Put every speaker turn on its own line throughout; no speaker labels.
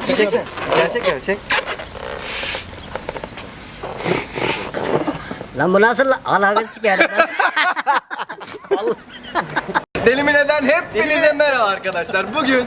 Çeksin. Gerçek ya çek.
Lan bu nasıl alakası geldi lan?
Delimineden hepinize merhaba arkadaşlar. Bugün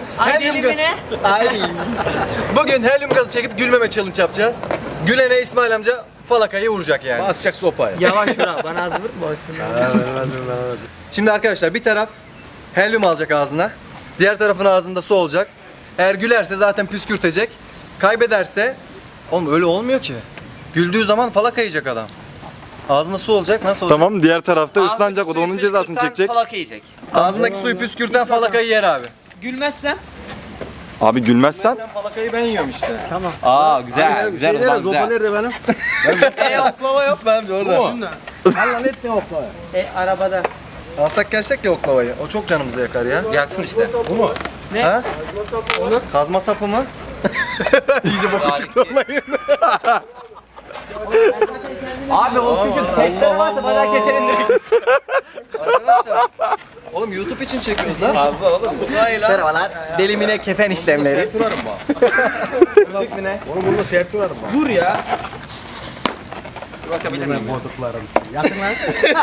Bugün helyum gazı çekip gülmeme challenge yapacağız. Gülene İsmail amca falakayı vuracak yani.
Basacak sopayı.
Yavaş vur bana az vurma olsun.
Şimdi arkadaşlar bir taraf helyum alacak ağzına. Diğer tarafın ağzında su olacak. Eğer gülerse zaten püskürtecek. Kaybederse oğlum öyle olmuyor ki. Güldüğü zaman falaka yiyecek adam. Ağzında su olacak, nasıl olacak?
Tamam, diğer tarafta ıslanacak, o da onun cezasını çekecek.
Falaka yiyecek.
Ağzındaki suyu püskürten falakayı yer abi.
Gülmezsem?
Abi gülmezsen
Sen falakayı ben yiyorum işte.
Aa güzel, güzel o zaman
Zopa
güzel.
nerede benim?
Oklava yok. İsmail amca orada.
Allah ne oklava?
Arabada.
Alsak gelsek ya oklavayı. O çok canımızı yakar ya.
Yaksın işte.
Bu mu?
Ha? Kazma sapı mı? İyice boku çıktı olayın.
Abi o küçük testere varsa bana keselim direkt.
Arkadaşlar. Oğlum YouTube için çekiyoruz lan. Fazla oğlum. Merhabalar. Delimine kefen işlemleri.
Sertü varım bak. Oğlum burada sertü varım bak.
Dur ya. Bakabilir miyim?
Koltuklarım. Yakın lan.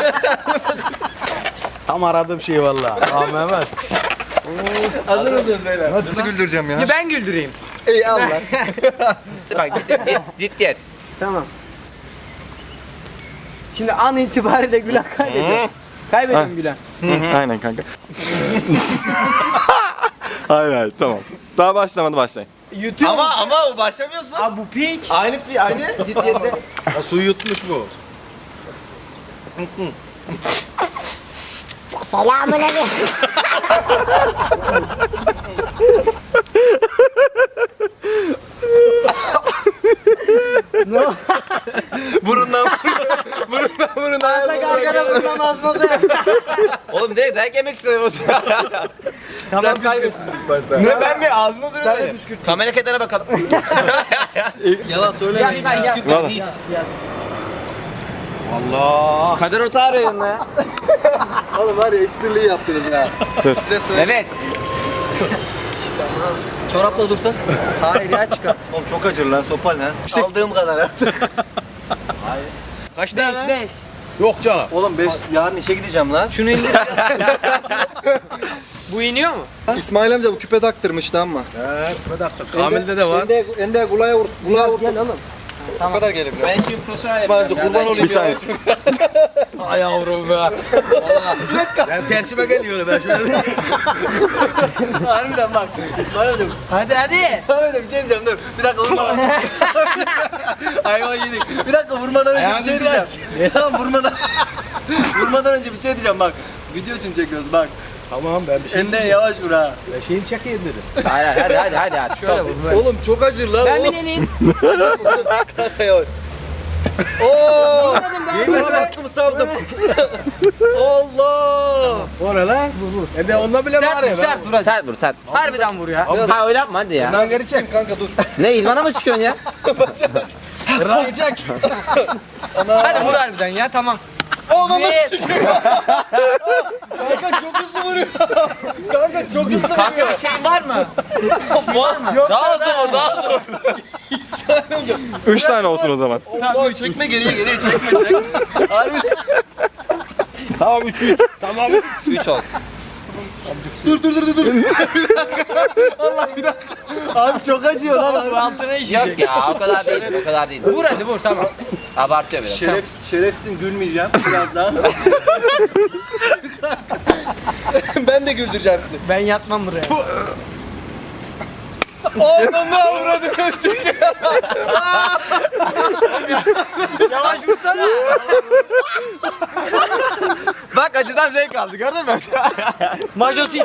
Tam aradığım şey vallahi. Tamam Mehmet.
Hazır mısınız beyler? Nasıl güldüreceğim ya?
Ben güldüreyim.
İyi al lan.
Bak ciddiyet.
Tamam. Şimdi an itibariyle Gülen kaybediyor. Kaybediyorum Gülen.
aynen kanka. hayır hayır, tamam. Daha başlamadı, başlayın.
Ama o başlamıyorsun.
Abi bu piç.
Aynı ciddiyette.
Ha, suyu yutmuş bu.
Selamünaleyküm.
Burundan.
Ağza gargara vurmamaz mısın?
Oğlum direkt dayak yemek istedim.
Sen kaybettin ilk başta.
Ne ben mi? Ağzına duruyor. Kamera kenara bakalım.
Yalan söylemeyin ya.
Vallahi.
Allah.
Kader Ota arayın ya.
Oğlum var ya işbirliği yaptınız ha. Size söyleyeyim.
Evet.
Çorapla dursak.
Hayır ya çıkart.
Oğlum çok acır lan sopal lan. Aldığım kadar artık.
Kaç tane lan?
5.
Yok canım.
Oğlum 5 yarın işe gideceğim lan.
Şunu indir. Bu iniyor mu?
İsmail amca bu küpe taktırmıştı ama.
Evet. Bir dakika. Kamil'de de var.
Ende kulaya vursun. Kulaya vursun.
Gel oğlum.
Bu kadar gelebilir.
Ben şimdi profesyonel
İsmail amca kurban olayım
Bir saniye.
Ay yavrum be. Ben tersime geliyorum ben şöyle.
Harbiden bak. İsmail amca.
Hadi.
İsmail amca bir şey diyeceğim dur. Bir dakika vurma. Hayvan yedik. Bir dakika vurmadan önce bir şey diyeceğim. Tamam vurmadan önce bir şey diyeceğim bak. Video için çekiyoruz bak.
Tamam ben bir şey
Ende yavaş vur ha.
Ben şeyimi çekeyim dedim.
Hadi. Şöyle vur.
Oğlum çok acır lan.
Ben bineliyim.
Yavaş. Oo! Yemin aklımı savdım. Allah!
O ne lan? Ben de onda bile var ya.
Sert vur.
Harbiden vur ya.
Ha öyle yapma hadi ya.
Lan geri çek kanka dur.
Ne ilmana mı çıkıyorsun ya?
Rahatacak.
Hadi vur harbiden ya tamam.
Oğlum nasıl Kanka çok hızlı vuruyor. Kanka çok hızlı
Kanka
vuruyor.
bir şeyin var mı? Var mı? Daha hızlı vur, daha hızlı vur.
3 tane olsun o zaman.
Allah çekme geriye çekme. Harbi.
Tamam 3-3. Tamam.
3 olsun.
Dur. Bir dakika. Allah bir dakika. Abi çok acıyor lan.
Altına işecek.
Yok ya o kadar değil.
Vur hadi vur tamam.
Abartıyor biraz.
Şerefsin gülmeyeceğim birazdan. Ben de güldüreceğim sizi.
Ben yatmam buraya.
Oğlum ne avradın?
Yavaş vursana.
Bak acıdan zevk aldı gördün mü?
Majosit.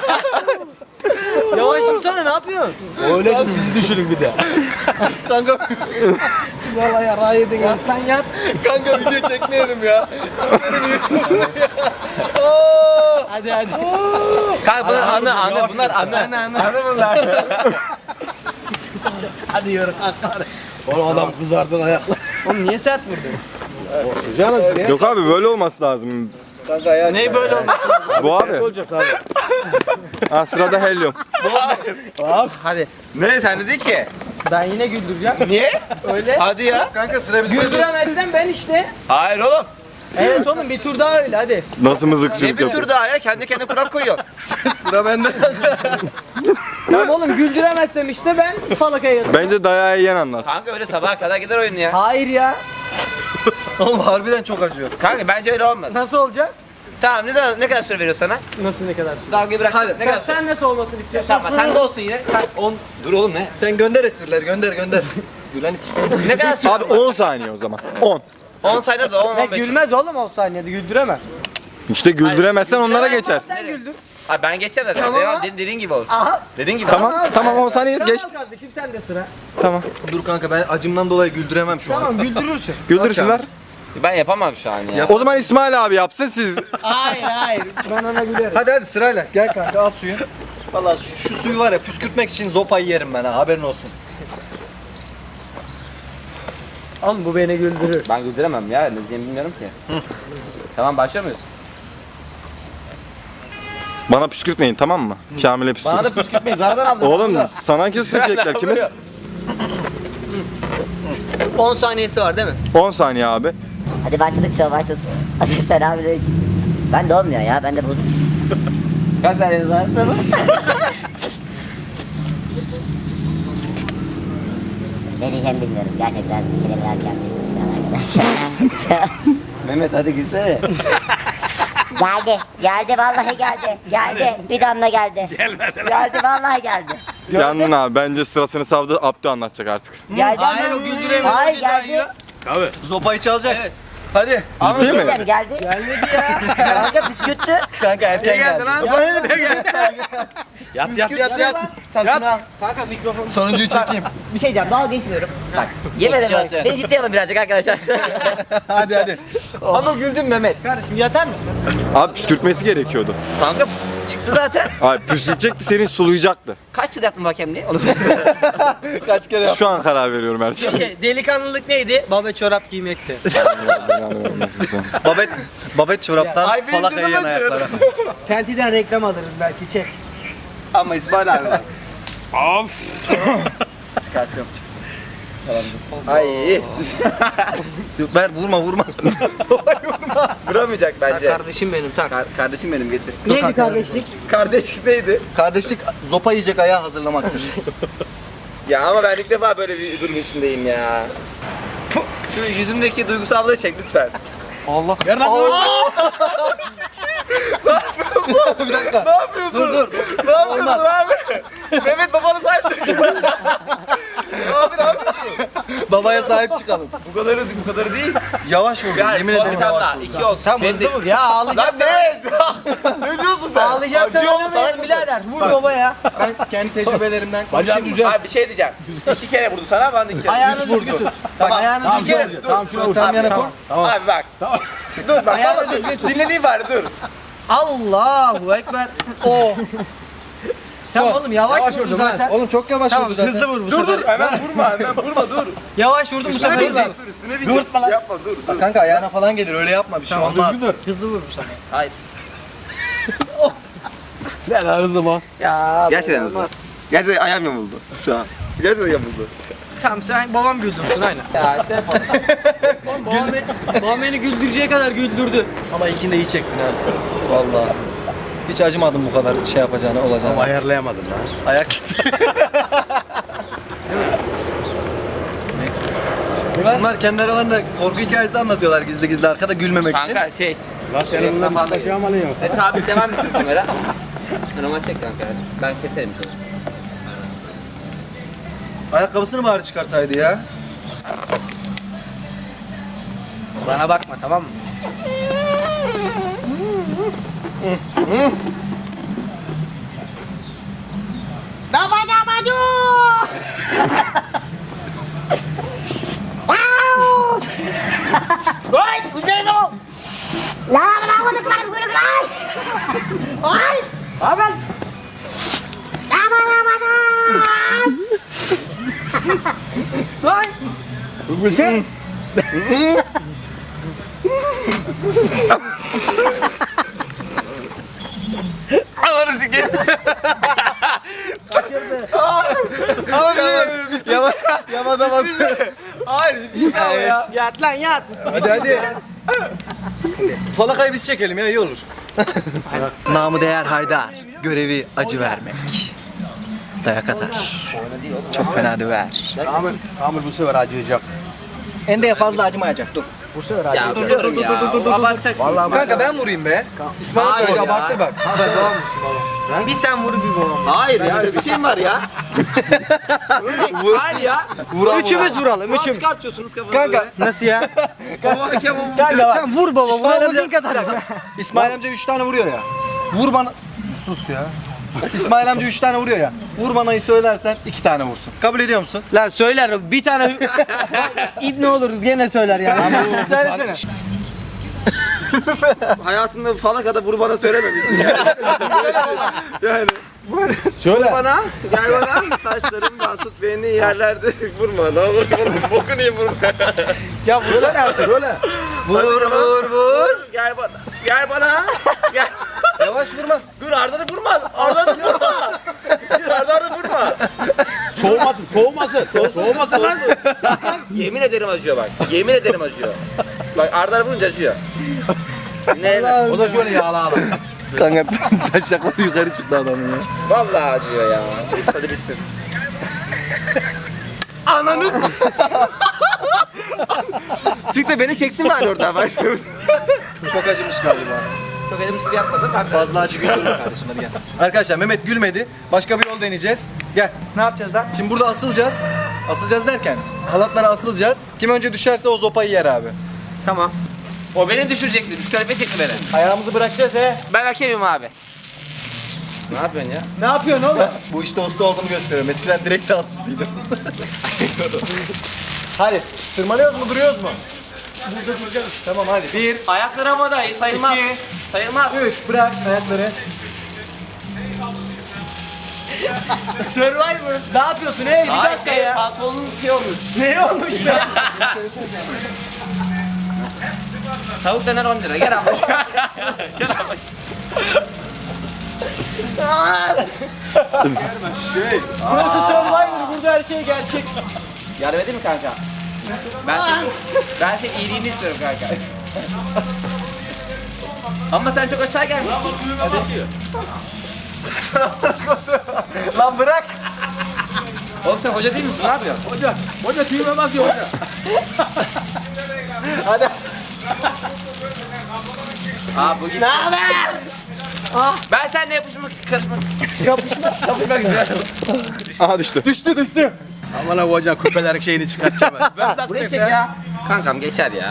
Yavaş vursana ne yapıyorsun?
Öyle ki sizi düşünün bir de.
Kanka,
Vallahi yara yedin ya.
Sen yat.
kanka video çekmeyelim ya. Sikerim YouTube'u ya.
Hadi.
Kanka bunlar anı bunlar anı. Anı bunlar.
Hadi yürü. Oğlum adam kızardın ayaklar.
Oğlum niye sert vurdun?
Canım ne?
Yok abi, böyle olması lazım.
Kanka ayağı
Ne böyle olmasın?
Bu abi.
Olacak abi.
Ha, sırada helyum.
Hadi.
Ne sen dedin ki?
Ben yine güldüreceğim.
Niye?
Öyle.
Hadi ya.
Kanka sıra bizde.
Güldüremezsen ben işte.
Hayır oğlum.
Evet oğlum bir tur daha öyle hadi.
Nasıl
Ne
mızıkçılık
bir
yapıyor?
tur daha ya? Kendi kendine kural koyuyorsun.
Sıra bende.
Tamam oğlum güldüremezsem işte ben falakaya yatarım.
Bence dayağı yiyen anlat.
Kanka öyle sabaha kadar gider oyun ya.
Hayır ya.
Oğlum harbiden çok acıyor.
Kanka bence öyle olmaz.
Nasıl olacak?
Tamam ne kadar süre veriyor sana?
Nasıl ne kadar?
Dalgayı bırak.
Hadi.
Ne kadar süre?
Sen nasıl olmasını istiyorsan.
Tamam sen de olsun yine. Sen 10. Dur oğlum ne?
Sen gönder esprileri gönder. Gülen içsin.
Ne kadar süre?
Abi 10 saniye o zaman. 10.
10 sayılır da 10
Ne
15.
gülmez oğlum 10 saniyede güldüremem.
İşte güldüremezsen onlara geçer.
Sen güldür.
Abi ben geçeceğim zaten.
Tamam.
Devam, dediğin gibi olsun.
Aha.
Dediğin gibi.
Tamam 10 saniye geç.
Tamam kardeşim sen de sıra.
Tamam.
Dur kanka ben acımdan dolayı güldüremem şu an.
Tamam güldürürsün.
Güldürsünler.
Ben yapamam şu an ya.
O zaman İsmail abi yapsın siz.
Hayır. Ben ona gülerim.
Hadi sırayla. Gel kanka al suyu. Valla şu suyu var ya püskürtmek için zopayı yerim ben ha haberin olsun.
Oğlum bu beni güldürür.
Ben güldüremem ya. Ne diyeceğimi bilmiyorum ki. Tamam başlıyor muyuz?
Bana püskürtmeyin tamam mı? Kamil'e püskürt.
Bana da püskürtmeyin. Zarardan aldım.
Oğlum sana küstürecekler kimiz?
10 saniyesi var değil mi?
10 saniye abi.
Hadi başladık şov başladık. Hadi selamünaleyküm. Ben de olmuyor ya, ben de bozuk.
Kaç saniyeniz var?
Ne diyeceğimi bilmiyorum. Gerçekten kelimeler gelmişsiniz şu an arkadaşlar.
Mehmet hadi gülsene.
Geldi vallahi geldi. Bir damla geldi. Geldi vallahi geldi.
Yandın abi. Bence sırasını savdı. Abdü anlatacak artık.
Geldi
Hayır,
ama-
o güldüremiyor,
Hayır
o cezayı
geldi.
yiyor.
Zopayı çalacak. Hadi.
Ciddi mi?
Geldi.
Gelmedi ya.
Kanka püskürttü.
Kanka erken geldi.
Yat.
Kanka mikrofonu.
Sonuncuyu çekeyim.
Bir şey diyeceğim, dalga geçmiyorum. Bak yemedim bak. Beni ciddiye alın birazcık arkadaşlar.
hadi.
Ama güldün Mehmet. Kardeşim yatar mısın?
Abi püskürtmesi gerekiyordu.
Kanka çıktı zaten.
Abi püskürtecekti seni sulayacaktı.
Kaç yıl yaptın bu hakemliği? Onu söyle.
Kaç kere
Şu an karar veriyorum her şeye.
Delikanlılık neydi? Baba çorap giymekti.
Babet çoraptan
Ay, benim
falakaya
canım
yan ayaklara.
Tentiden reklam alırız belki çek.
Ama İsmail abi bak.
Çıkartıyorum.
Ay.
Yok, ver vurma.
Vuramayacak bence.
Kardeşim benim tak.
Kardeşim benim getir.
Neydi kardeşlik?
Kardeşlik neydi?
Kardeşlik zopa yiyecek ayağı hazırlamaktır.
Ya ama ben ilk defa böyle bir durum içindeyim ya. Puh, şu yüzümdeki duygusallığı çek lütfen.
Allah.
Ver lan.
Bir dakika.
Ne yapıyorsun?
Dur.
Ne yapıyorsun abi? Mehmet babanı saçtı. Abi ne yapıyorsun?
Babaya sahip çıkalım.
Bu kadarı değil.
Yavaş vur.
Yani
Yemin
son
ederim
bir tane
yavaş
daha.
vur.
2 olsun.
Tam hızlı vur ya
Lan
ağlayacaksan.
ne? Ne diyorsun sen?
Ağlayacaksan
Acıyor mu?
oynamayalım
Sana
birader. Vur baba ya.
Ben kendi tecrübelerimden konuşayım.
Abi bir şey diyeceğim. 2 kere vurdu sana ben de 2 kere.
Ayağını düzgün tut. Bak ayağını
Tamam,
düzgün
kere.
tut.
Tamam
Şunu sen yana koy.
Abi bak. Dur bak.
Ayağını
Ayağını
düzgün tut.
dinlediğim var dur.
Allahu ekber.
Oh.
Tamam oğlum yavaş vurdun zaten.
Oğlum çok yavaş
Tamam
vurdu zaten.
hızlı vur bu
Dur
sefer.
dur hemen vurma dur.
Yavaş vurdun bu
Üstüne
sefer.
binecek dur üstüne binecek. Yapma dur.
Kanka ayağına falan gelir öyle yapma bir şey olmaz.
Hızlı vur bu sefer.
Hayır.
Ne lan hızlı mı? Ya
Gerçekten hızlı. Gerçekten ayağım yamuldu şu an. Gerçekten yamuldu.
Tamam sen babam güldürsün aynen. Ya işte babam beni güldüreceği kadar güldürdü.
Ama ilkini de iyi çektin ha. Vallahi. Hiç acımadım bu kadar şey yapacağına olacağına. Ama
ayarlayamadım ya.
ayak gitti. Bunlar kendi aralarında korku hikayesi anlatıyorlar gizli gizli arkada gülmemek için.
Kanka şey. Lan senin bundan fazla şey alıyorsun. Tabi devam etsin kamera. Normal çek kanka. Ben keserim şunu.
Ayakkabısını bari çıkarsaydı ya.
Bana bakma tamam mı?
Vay güzel o. Lan koduklar gülükler. Ay. Aman. Aman.
Lan!
Güzel.
Ananı sikeyim.
Yamada bak. Hayır, bir daha ya.
Yat lan yat.
Hadi. Falakayı biz çekelim ya, iyi olur. Namı değer Haydar. Görevi acı vermek. Dayak atar. Çok fena döver.
Amir bu sefer acıyacak.
Ende'ye fazla acımayacak, dur.
Ya dur. Abartacaksın.
Kanka ben vurayım be. İsmail
Hayır
Hoca
ya.
abartır bak.
Bir sen vur bir babam.
Hayır ya öyle bir şey mi var ya? Hayır ya.
Üçümüz vuralım.
Üçüm.
Üçümüz.
Çıkartıyorsunuz kafanızı.
Kanka.
Nasıl ya?
Kanka bak.
Sen vur baba.
İsmail
Vurabildiğin
amca,
kadar.
İsmail amca 3 tane vuruyor ya. Vur bana. Sus ya. İsmail amca 3 tane vuruyor ya. Vur bana'yı söylersen 2 tane vursun. Kabul ediyor musun?
Lan söyler bir tane İbne olur gene söyler yani.
Söylesene.
Hayatımda falakada vur bana söylememişsin ya. Yani.
Şöyle.
Bana, gel bana. Saçlarımdan tut beni yerlerde vurma. Ne olur vurma. Bokunu yiyeyim vurma.
Ya vursana artık öyle.
Vur.
Gel bana. Gel bana. Gel.
Yavaş vurma.
Dur Arda'da vurma. Arda'da vurma. Dur Arda'da vurma. Soğumasın lan. Yemin ederim acıyor bak. Yemin ederim acıyor. Bak Arda'da vurunca acıyor. Ne?
O da şöyle yağla.
Kanka taşakları yukarı çıktı adamın ya.
Vallahi acıyor ya. Hadi bitsin. Ananı. Çık da beni çeksin bari oradan. Bak.
Çok acımış galiba.
Çok elim gibi yapmadım.
Fazla acı güldürme kardeşim, hadi gel. Arkadaşlar Mehmet gülmedi. Başka bir yol deneyeceğiz. Gel.
Ne yapacağız lan?
Şimdi burada asılacağız. Asılacağız derken halatlara asılacağız. Kim önce düşerse o zopayı yer abi.
Tamam. O beni düşürecekti. Diskalifiye çekti beni.
Ayağımızı bırakacağız he.
Ben hakemim abi. Ne yapıyorsun ya?
Ne yapıyorsun oğlum?
Bu işte usta olduğunu gösteriyorum. Eskiden direkt asistiydim. Hadi. Tırmanıyoruz mu, duruyoruz mu? Burada duracağız. Tamam hadi. 1,
Ayaklar havada sayılmaz.
2,
Sayılmaz.
3, bırak ayakları.
Survivor. Ne yapıyorsun hey? Bir
Hayır
dakika ya.
pantolonun şey olmuş.
Ne olmuş ya?
Tavuk döner 10 lira. Gel abla. Gel abla.
Burası Survivor. Burada her şey gerçek.
Yardım edeyim mi kanka? Ben senin iyiliğini istiyorum kanka. Ama sen çok aşağı gelmişsin.
Lan bırak.
Oğlum sen hoca değil misin? Ne yapıyorsun?
Hoca tüyüme bakıyor hoca.
Aa bu gitti.
Ne haber?
Ben seninle yapışmak için kapışmak istiyorum.
Aha düştü.
Düştü.
Aman abi hocam küpelerin şeyini çıkartacağım ben. Buraya çek ya. Kankam geçer ya.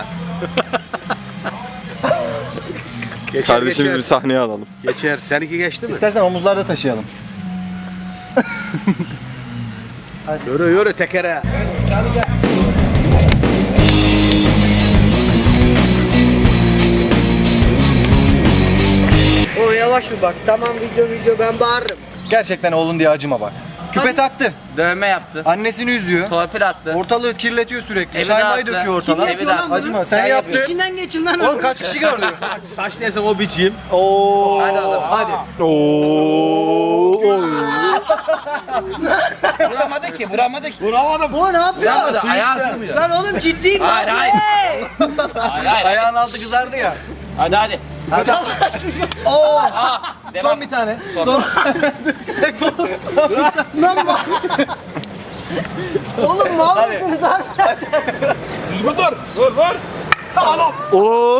Kardeşimizi bir sahneye alalım.
Geçer. Seninki geçti mi?
İstersen omuzlarda taşıyalım.
Yürü tekere.
O yavaş bir bak. Tamam video ben bağırırım.
Gerçekten oğlun diye acıma bak. Küpe taktı.
Dövme yaptı.
Annesini üzüyor.
Torpil attı.
Ortalığı kirletiyor sürekli.
Evi
Çay may
dağıttı.
döküyor ortalığa.
Evi dağıttı.
Acıma. Sen
Ben
yaptın.
yapıyorum.
İçinden geçin lan.
Oğlum kaç kişi gördü?
Saç neyse o biçeyim.
Oo.
Hadi oğlum.
Hadi.
Vuramadı ki.
Bu ne yapıyor?
Vuramadı. Ayağı sığmıyor.
Lan oğlum ciddiyim ben.
Hayır hayır. Hayır.
Ayağın altı kızardı ya.
Hadi.
Oo.
Devam.
Son bir tane. Son.
Oğlum mal mısınız abi?
Oo.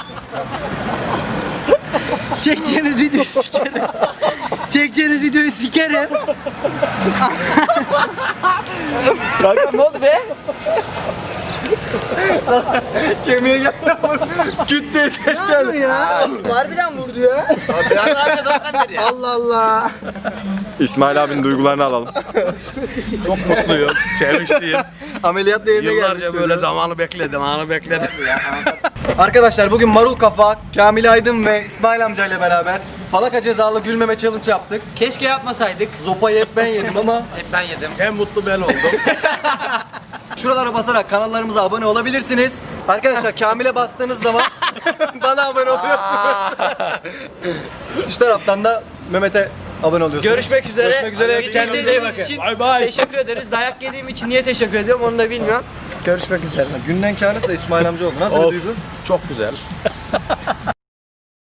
Çekeceğiniz videoyu sikerim. Çekeceğiniz videoyu sikerim.
Kanka ne oldu be? Kemiğe geldi. Küt diye ses geldi.
Ya. Harbiden vurdu ya.
Biraz daha kazansan dedi ya.
Allah Allah.
İsmail abinin duygularını alalım.
Çok mutluyum. Sevinçliyim.
Ameliyatla yerine geldi.
Yıllarca böyle zamanı bekledim, anı bekledim.
Arkadaşlar bugün Marul Kafa, Kamil Aydın ve İsmail amcayla beraber falaka cezalı gülmeme challenge yaptık.
Keşke yapmasaydık.
Zopayı hep ben yedim ama
Hep ben yedim.
En mutlu ben oldum.
şuralara basarak kanallarımıza abone olabilirsiniz. Arkadaşlar Kamil'e bastığınız zaman bana abone oluyorsunuz. Şu taraftan da Mehmet'e abone oluyorsunuz.
Görüşmek üzere.
Görüşmek üzere.
Bizi
Kendinize iyi
izlediğiniz
bakın.
için
Bay bay.
teşekkür ederiz. Dayak yediğim için niye teşekkür ediyorum onu da bilmiyorum. Görüşmek üzere.
Günden kârısı da İsmail amca oldu. Nasıl bir duygu?
Çok güzel.